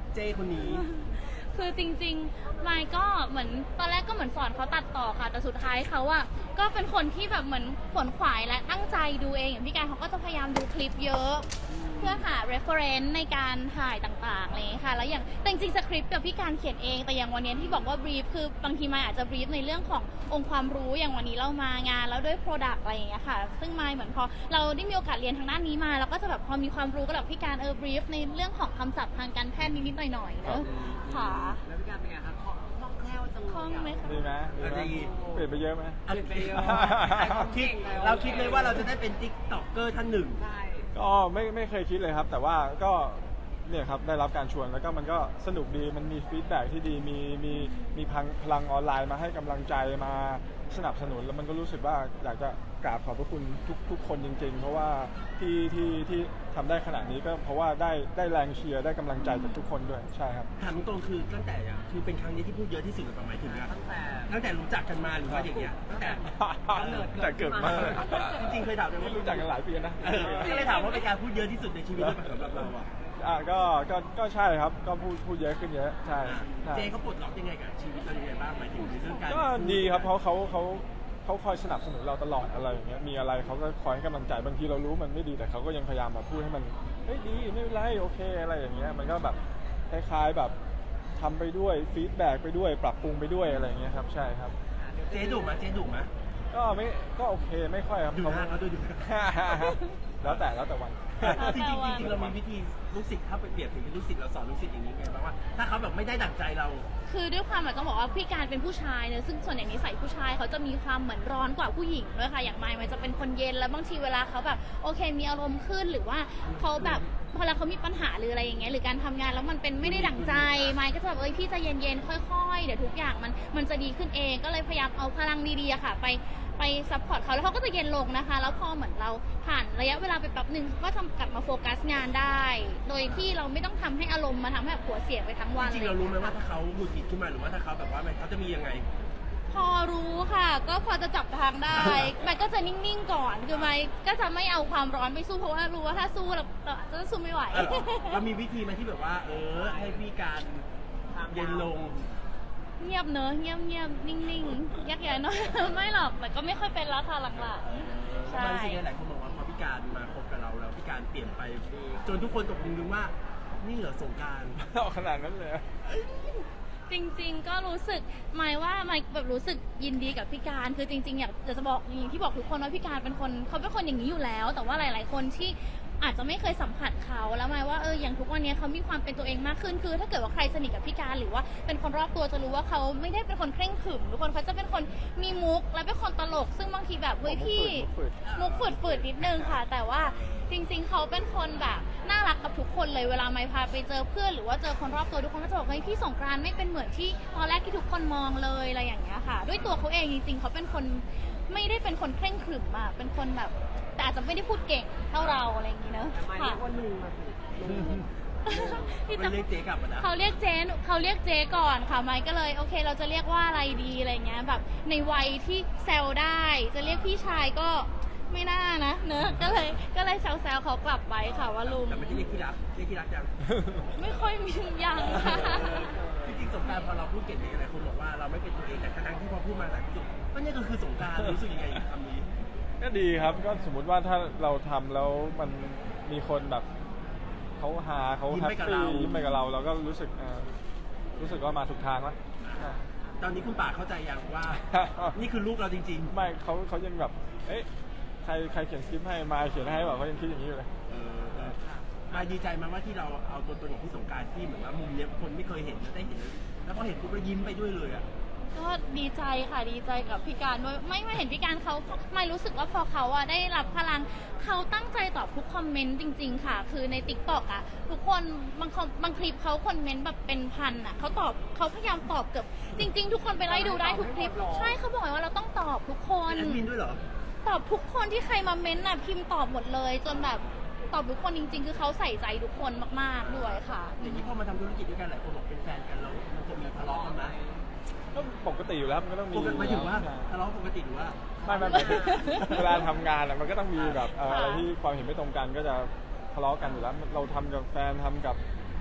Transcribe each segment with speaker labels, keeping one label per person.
Speaker 1: เจ้คนนี้
Speaker 2: คือจริงๆไมค์ก็เหมือนตอนแรกก็เหมือนสอนเขาตัดต่อค่ะแต่สุดท้ายเขาอะก็เป็นคนที่แบบเหมือนขวนขวายและตั้งใจดูเองอย่างพี่การเขาก็จะพยายามดูคลิปเยอะเพื่อหา reference ในการถ่ายต่างๆอะไรอย่างเลยค่ะแล้วอย่างแต่จริงๆสคริปต์กับพี่การเขียนเองแต่อย่างวันนี้ที่บอกว่า brief คือบางทีไมค์อาจจะ brief ในเรื่องขององค์ความรู้อย่างวันนี้เรามางานแล้วด้วย product อะไรอย่างเงี้ยค่ะซึ่งไมค์เหมือนพอเราได้มีโอกาสเรียนทางด้านนี้มาเราก็จะแบบพอมีความรู้ก็แบบพี่การbrief ในเรื่องของคำศัพท์ทางการแพทย์นิดๆหน่อยๆเนอะค่ะ
Speaker 3: แล้วพี่การเป็นไงคะคล่องแคล่วจังเลย
Speaker 2: คล่องไหมคะ
Speaker 4: ดีไหมเปลี่ยนไปเยอะไหม
Speaker 1: อันนี้เราคิดเลยว่าเราจะได้เป็นติ๊กต็อกเกอร์ท่านหนึ่ง
Speaker 3: ใช่
Speaker 4: ก็ไม่เคยคิดเลยครับแต่ว่าก็เนี่ยครับได้รับการชวนแล้วก็มันก็สนุกดีมันมีฟีดแบ็กที่ดีมีพลังออนไลน์มาให้กำลังใจมาสนับสนุนแล้วมันก็รู้สึกว่าอยากจะกราบขอบพระคุณทุกคนจริงๆเพราะว่าที่ทำได้ขนาดนี้ก็เพราะว่าได้แรงเชียร์ได้กำลังใจจากทุกคนด้วยใช่ครับ
Speaker 1: ถามตรงคือตั้งแต่คือเป็นครั้งนี้ที่พูดเยอะที่สุดหรือเปล่าหมายถึงนะตั้งแต่รู้จักกันมาหรือว่าอย่างเงี้ยตั้งแต่
Speaker 4: แต่เกิดมา
Speaker 1: จริงๆเคยถามเลยว่า
Speaker 4: รู้จักกันหลายปีนะ
Speaker 1: ก็เลยถามว่าเป็นการพูดเยอะที่สุดในชีวิตหรือเปล่าสำหรับเราอ่ะ
Speaker 4: ก็ใช่ครับก็พูดเยอะขึ้นเยอะใช่
Speaker 1: เจเขาปลดล็อกยังไงกับชีวิตเรายังไงบ้างหมายถึงในเรื่องการ
Speaker 4: ก็ดีครับเพราะเขาคอยสนับสนุนเราตลอดอะไรอย่างเงี้ยมีอะไรเขาก็คอยให้กำลังใจบางทีเรารู้มันไม่ดีแต่เขาก็ยังพยายามแบบพูดให้มันเฮ้ยดีไม่เป็นไรโอเคอะไรอย่างเงี้ยมันก็แบบคล้ายๆแบบทำไปด้วยฟีดแบ็กไปด้วยปรับปรุงไปด้วยอะไรอย่างเงี้ยครับใช่ครับ
Speaker 1: เจ๊ดุไหม
Speaker 4: ก็โอเคไม่ค่อยครับ
Speaker 1: ดูหน้าเขาด้วยดู
Speaker 4: แล้วแต่วัน
Speaker 1: จริงเรามีวิธีลูกศิษย์ถ้าไปเปรียบถึงลูกศิษย์เราสอนลูกศิษย์อย่างนี้ไงบ้างว่าถ้าเขาแบบไม่ได้ดั่งใจเรา
Speaker 2: คือด้วยความต้องบอกว่าพี่การเป็นผู้ชายเนอะซึ่งส่วนใหญ่นิสัยผู้ชายเขาจะมีความเหมือนร้อนกว่าผู้หญิงด้วยค่ะอย่างไมค์มันจะเป็นคนเย็นแล้วบางทีเวลาเขาแบบโอเคมีอารมณ์ขึ้นหรือว่าเขาแบบพอเขามีปัญหาหรืออะไรอย่างเงี้ยหรือการทำงานแล้วมันเป็นไม่ได้ดั่งใจไมค์ก็จะแบบพี่ใจเย็นๆค่อยๆเดี๋ยวทุกอย่างมันจะดีขึ้นเองก็เลยพยายามเอาพลังดีๆอะค่ะไปซัพพอร์ตเขาแล้วเขาก็จะเย็นลงนะคะแล้วพอเหมือนเราผ่านระยะเวลาไปแป๊บหนึ่งก็กลับมาโฟกัสงานได้ โดยที่เราไม่ต้องทำให้อารมณ์มาทำให้หัวเสียไปทั้งวัน
Speaker 1: จริงเรารู้ไหมว่าถ้าเขาหงุดหงิดขึ้นมาหรือว่าถ้าเขาแบบว่าเขาจะมียังไง
Speaker 2: พอรู้ค่ะก็พอจะจับทางได้มันก็จะนิ่งๆก่อนคือไม่ก็จะไม่เอาความร้อนไปสู้เพราะว่ารู้ว่าถ้าสู้เราจะสู้ไม่ไหว
Speaker 1: เรามีวิธีไหมที่แบบว่าให้พี่การเย็นลง
Speaker 2: เงียบเนอะเงียบนิ่งๆยักย้ายเนอะไม่หรอกแต่ก็ไม่ค่อยเป็นแล้วค่ะหลังๆใช่
Speaker 1: บางสิ่งหลายคนบอกว่าพอพี่การมาคบกับเราแล้วพี่การเปลี่ยนไปจนทุกคนตกดึงว่านี่เหรอสงกรานต์
Speaker 4: ขนาดนั้นเลย
Speaker 2: จริงๆก็รู้สึกหมายว่าหมายแบบรู้สึกยินดีกับพี่การคือจริงๆอยากจะบอกอย่างที่บอกทุกคนว่าพี่การเป็นคนเขาเป็นคนอย่างนี้อยู่แล้วแต่ว่าหลายๆคนที่อาจจะไม่เคยสัมผัสเขาแล้วหมายว่าอย่างทุกวันนี้เขามีความเป็นตัวเองมากขึ้นคือถ้าเกิดว่าใครสนิทกับพี่การหรือว่าเป็นคนรอบตัวจะรู้ว่าเขาไม่ได้เป็นคนเคร่งขรึมทุกคนเขาจะเป็นคนมีมุกและเป็นคนตลกซึ่งบางทีแบบเฮ้ยพี่มุกฝืดนิดนึงค่ะแต่ว่าจริงๆเขาเป็นคนแบบน่ารักกับทุกคนเลยเวลาไม่พาไปเจอเพื่อนหรือว่าเจอคนรอบตัวทุกคนก็จะบอกเฮ้ยพี่สงกรานต์ไม่เป็นเหมือนที่ตอนแรกที่ทุกคนมองเลยอะไรอย่างเงี้ยค่ะด้วยตัวเขาเองจริงๆเขาเป็นคนไม่ได้เป็นคนเคร่งขรึมอะเป็นคนแบบแต่อาจจะไม่ได้พูดเก่งเท่าเราอะไรอย่างงี้เนอะ
Speaker 3: ค่ะคนหนึ่งมาสิ
Speaker 1: เขาเรียกเจ๊กลับมานะ
Speaker 2: เขาเรียกเจ๊ก่อนค่ะไมค์ก็เลยโอเคเราจะเรียกว่าอะไรดีอะไรเงี้ยแบบในวัยที่แซวได้จะเรียกพี่ชายก็ไม่น่านะเนอะก็เลยแซวเขากลับไปค่ะว่าลุง
Speaker 1: แต่ไม่ได้เรียกที่รักยัง
Speaker 2: ไม่ค่อยมียังค่ะ
Speaker 1: จริงๆสงกรานต์พอเราพูดเก่งๆหลายคนบอกว่าเราไม่เป็นตัวเองแต่ครั้งที่พอพูดมาหลายคนก็นี่ก็คือสงกรานต์รู้สึกยังไงคำนี้
Speaker 4: ก็ดีครับก็สมมุติว่าถ้าเราทำแล้วมันมีคนแบบเขาฮาเขาแฮปปี้ยิ้มไปกับเราเราก็รู้สึกว่ามาถูกทางแล้ว
Speaker 1: ตอนนี้คุณป่าเข้าใจยังว่านี่คือลูกเราจริงๆ
Speaker 4: ไม่เขายังแบบเอ๊ะใครเขียนสคริปต์ให้มาเขียนให้บอกเขายังคิดอย่างนี้อยู่เลย
Speaker 1: มาดีใจมากว่าที่เราเอาตัวตนของพี่สงกรานต์ที่เหมือนว่ามุมนี้คนไม่เคยเห็นได้เห็นแล้วพอเห็นปุ๊บเรายิ้มไปด้วยเลยอ่ะ
Speaker 2: ก็ดีใจค่ะดีใจกับพี่การด้วยไม่เห็นพี่การเขาไม่รู้สึกว่าพอเขาได้รับพลังเขาตั้งใจตอบทุกคอมเมนต์จริงๆค่ะคือใน TikTok อ่ะทุกคนบางคลิปเขาคอมเมนต์แบบเป็นพันอ่ะเขาพยายามตอบเกือบจริงๆทุกคนไปไล่ดูได้ทุกคลิปใช่เขาบอกว่าเราต้องตอบทุกคน
Speaker 1: แอดมินด้วยเหรอ
Speaker 2: ตอบทุกคนที่ใครมาเม้นต์น่ะพิมพ์ตอบหมดเลยจนแบบตอบทุกคนจริงๆคือเขาใส่ใจทุกคนมากๆด้วยค่ะ
Speaker 1: อย่างนี้พอมาทำธุรกิจด้วยกันหลายคนบอกเป็นแฟนกันเรามันจะมีทะเลาะกันไหม
Speaker 4: ก็ปกติอยู่แล้วมันก็ต้องมี
Speaker 1: หมายถึงว่าทะเลาะปกติหรือว่า
Speaker 4: ไม่เวลาทำงานอ่ะมันก็ต้องมีแบบอะไรที่ความเห็นไม่ตรงกันก็จะทะเลาะกันอยู่แล้วเราทำกับแฟนทำกับ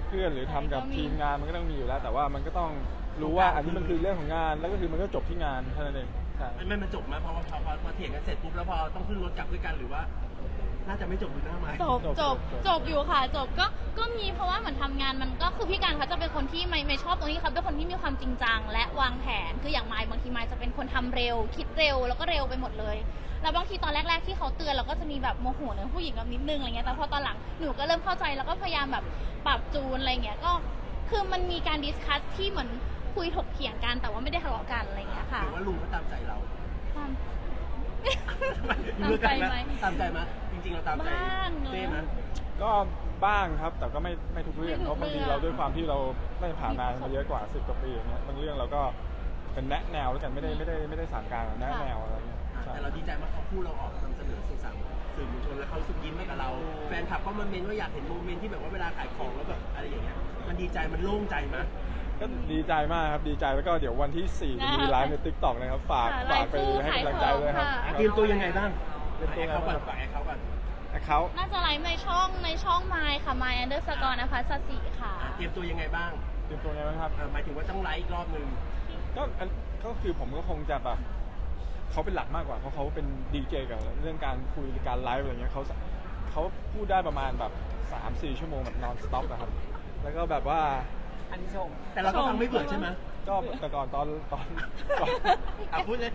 Speaker 4: เพื่อนหรือทำกับทีมงานมันก็ต้องมีอยู่แล้ว แต่ว่ามันก็ต้องรู้ว่าอันนี้มันคือเรื่องของงานแล้วก็คือมันก็จบที่งานเท่านั้นเองใช่
Speaker 1: ไม่มันจบไหมพอเถียงกันเสร็จปุ๊บแล้วพอต้องขึ้นรถกลับด้วยกันหรือว่า น่าจะไม่จบดูหน้าไม้
Speaker 2: จบอยู่ค่ะจบก็มีเพราะว่าเหมือนทำงานมันก็คือพี่การเขาจะเป็นคนที่ไม่ชอบตรงนี้เขาเป็นคนที่มีความจริงจังและวางแผนคืออย่างไมค์บางทีไมค์จะเป็นคนทำเร็วคิดเร็วแล้วก็เร็วไปหมดเลยแล้วบางทีตอนแรกๆที่เขาเตือนเราก็จะมีแบบโมโหในผู้หญิงแบบนิดนึงอะไรเงี้ยแต่พอตอนหลังหนูก็เริ่มเข้าใจแล้วก็พยายามแบบปรับจูนอะไรเงี้ยก็คือมันมีการดิสคัสที่เหมือนคุยถกเถียงกันแต่ว่าไม่ได้ทะเลาะกันอะไรเงี้ยค่ะ
Speaker 1: หรือว่าลุงเขาตามใจเรา
Speaker 2: ความ
Speaker 1: เลือกกัน
Speaker 2: ตามใจไหม
Speaker 1: ตามใจไหมจริงๆเราตามใจ
Speaker 2: บ้างเนอะ
Speaker 1: เต้ไหม
Speaker 4: ก็บ้างครับแต่ก็ไม่ทุกเรื่อง
Speaker 2: ไม่ทุก
Speaker 4: เพราะบางที
Speaker 2: เรื่อง
Speaker 4: เราด้วยความที่เราได้ผ่านงานมาเยอะกว่า10 กว่าปีอย่างเงี้ยบางเรื่องเราก็เป็นแนะแนวแล้วกันไม่ได้สั่งการแนะแนวอะไรเงี้ยใช่
Speaker 1: แต่เราดีใจมากเขาพูดเราออกนำเสนอสื่อสารสื่อมวลชนแล้วเขารู้สึกยิ้มให้กับเรา แฟนคลับก็มาเมนว่าอยากเห็นโมเมนต์ที่แบบว่าเวลาขายของแล้วแบบอะไรอย่างเงี้ยมันดีใจมันโล่งใจมั้ย
Speaker 4: ก็ดีใจมากครับดีใจแล้วก็เดี๋ยววันที่4จะมีไลฟ์ใน TikTok นะครับฝากไปให้กำลังใจด้วยครับ
Speaker 1: เตรียมตัวยังไงบ้าง
Speaker 4: เตรียมตัวยังไง
Speaker 1: เขาก่
Speaker 4: บ้า
Speaker 1: อง นฝากให้เขาก่อน
Speaker 4: เขา
Speaker 2: น่าจะไลฟ์ในช่องไมค์ค่ะไมค์_นภัสสีค่ะ
Speaker 1: เตรียมตัวยังไงบ้าง
Speaker 4: เตรียมตัวยังไงบ้างครับ
Speaker 1: หมายถึงว่าต้องไลฟ์อีกรอบนึง
Speaker 4: ก็คือผมก็คงจะแบบเขาเป็นหลักมากกว่าเพราะเขาเป็นดีเจกับเรื่องการคุยการไลฟ์อะไรเงี้ยเขาพูดได้ประมาณแบบ 3-4 ชั่วโมงแบบนอนสต็อปนะครับแล้วก็แบบว่า
Speaker 3: อันนี้ชม
Speaker 1: แต่เราก็ฟังไม่เบื่อใช่ไหม
Speaker 4: ก็แต่ก่อนตอน
Speaker 1: พูดเลย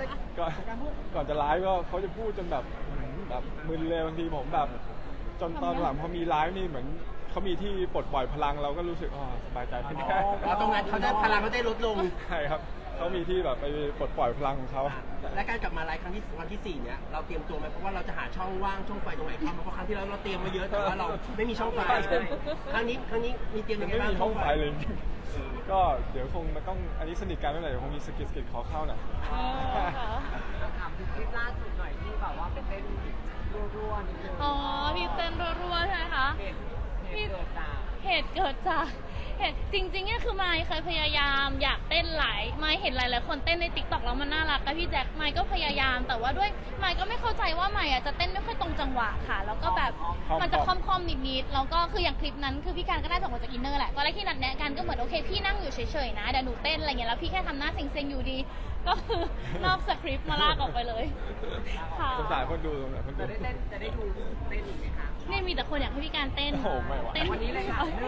Speaker 4: ก่อนจะไลฟ์ก็เขาจะพูดจนแบบมึนเลยบางทีผมแบบจนตอนหลังพอมีไลฟ์นี่เหมือนเขามีที่ปลดปล่อยพลังเราก็รู้สึกสบายใจขึ้น
Speaker 1: ตรงนั้นเขาได้พลังเขาได้ลดลง
Speaker 4: ใช่ครับเขามีที่แบบไปปลดปล่อยพลังของเขา
Speaker 1: และการกลับมาไลฟ์ครั้งที่วันที่ 4เนี่ยเราเตรียมตัวไหมเพราะว่าเราจะหาช่องว่างช่องไฟตรงไหนเข้ามาเพราะครั้งที่แล้วเราเตรียมมาเยอะแต่ว่าเราไม่มีช่องไฟครั้งนี้มีเตรียม
Speaker 4: มั
Speaker 1: ยั
Speaker 4: น
Speaker 1: งไง
Speaker 4: ไม่
Speaker 1: บ้าง
Speaker 4: มีห้องไฟเลย ก็เดี๋ยวคงมันต้องอันนี้สนิทกันเมื่อไหร่เดี๋ยวคงมีสกิดขอเข้าหน่อย
Speaker 3: ถามถึงคลิปล่าสุดหน่อยที่แบบว่าเป็นเต้นรัวๆนิดนึง
Speaker 2: อ๋อพี่เต้นรัวๆใช่ไหมคะ
Speaker 3: เหตุเกิดจาก
Speaker 2: เหตุเกิดจากจริงๆเนี่ยคือไมค์เคยพยายามอยากเต้นไมค์เห็นหลายๆคนเต้นในติ๊กต็อกแล้วมันน่ารักกับพี่แจ็คไมค์ก็พยายามแต่ว่าด้วยไมค์ก็ไม่เข้าใจว่าไมค์จะเต้นไม่ค่อยตรงจังหวะค่ะ แล้วก็แบบมันจะค่อมๆนิดๆแล้วก็คืออย่างคลิปนั้นคือพี่การก็ได้ส่งมาจากอินเนอร์แหละตอนแรกที่นัดแนะกันก็เหมือนโอเคพี่นั่งอยู่เฉยๆนะเดี๋ยวหนูเต้นอะไรเงี้ยแล้วพี่แค่ทำหน้าเซ็งๆอยู่ดี ก็คือนอกสคริปต์มาลากออกไปเลยค่ะ
Speaker 4: สงสารคนดูสงสารคนดู
Speaker 3: จะได้ดูเต้นอีกไหมคะ
Speaker 2: นี่มีแต่คนอยากให้พี่การเต้น
Speaker 4: โอ้ไม่ไหว
Speaker 2: เต้น
Speaker 3: วันนี้เลยค่ะ1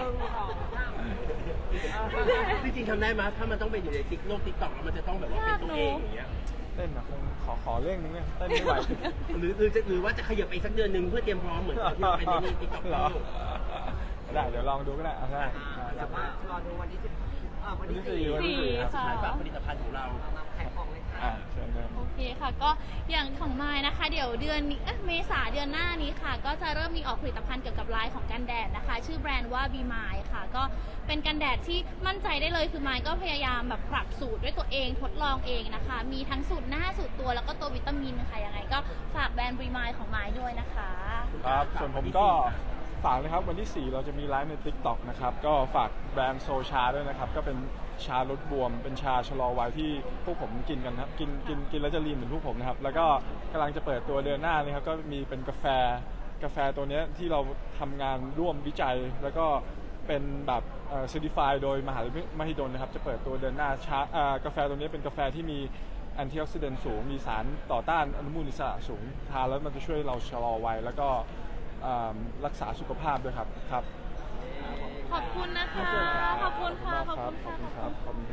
Speaker 3: 2 3
Speaker 1: จริงๆทำได้ไหมถ้ามันต้องเป็นอยู่ในติ๊กต็อกแล้วมันจะต้องแบบว่าเป็นตัวเองอย่างเงี้ย
Speaker 4: เต้นนะคงขอเรื่องนึงเนี่ยเต้นไม่ไหว
Speaker 1: หรือว่าจะขยับไปสักเดือนหนึ่งเพื่อเตรียมพร้อมเหมือนตอนที่เราเป็นในติ๊กต็อก
Speaker 4: เหรอได้เดี๋ยวลองดูก็ได้ได้
Speaker 3: แต่ว่ารอดูวันที่10วันที่
Speaker 4: วันที่
Speaker 3: 4
Speaker 4: 4
Speaker 2: ค่ะ
Speaker 1: ขายฝากผลิตภัณฑ์ของเรา
Speaker 3: มาขายของเลยค่ะ
Speaker 4: เชิญเลย
Speaker 2: โอเคค่ะก็อย่างของไมค์นะคะ เดี๋ยวเดือนนี้เมษาเดือนหน้านี้ค่ะ ก็จะเริ่มมีออกผลิตภัณฑ์เกี่ยวกับไลน์ของกันแดดนะคะ ชื่อแบรนด์ว่า Be My ค่ะ ก็เป็นกันแดดที่มั่นใจได้เลยคือไมค์ก็พยายามแบบปรับสูตรด้วยตัวเองทดลองเองนะคะ มีทั้งสูตรหน้าสูตรตัวแล้วก็ตัววิตามินค่ะยังไงก็ฝากแบรนด์ Be My ของไมค์ด้วยนะคะ
Speaker 4: ครับส่วนผมก็ฝากนะครับวันที่ 4 เราจะมีไลฟ์ใน TikTok นะครับก็ฝากแบรนด์โซชาด้วยนะครับก็เป็นชาลดบวมเป็นชาชะลอวัยที่พวกผมกินกันครับกินแล้วจะลีนเหมือนพวกผมนะครับแล้วก็กำลังจะเปิดตัวเดือนหน้านี่ครับก็มีเป็นกาแฟตัวเนี้ยที่เราทำงานร่วมวิจัย แล้วก็เป็นแบบcertified โดยมหาวิทยาลัยมหิดลนะครับจะเปิดตัวเดือนหน้ากาแฟตัวนี้เป็นกาแฟที่มีแอนตี้ออกซิแดนต์สูงมีสารต่อต้านอนุมูลอิสระสูงทานแล้วมันจะช่วยเราชะลอวัยแล้วก็รักษาสุขภาพด้วยครับ
Speaker 2: ขอบคุณนะคะ ขอบคุณค่ะ ขอบคุณค่ะ
Speaker 4: ขอบคุณครับ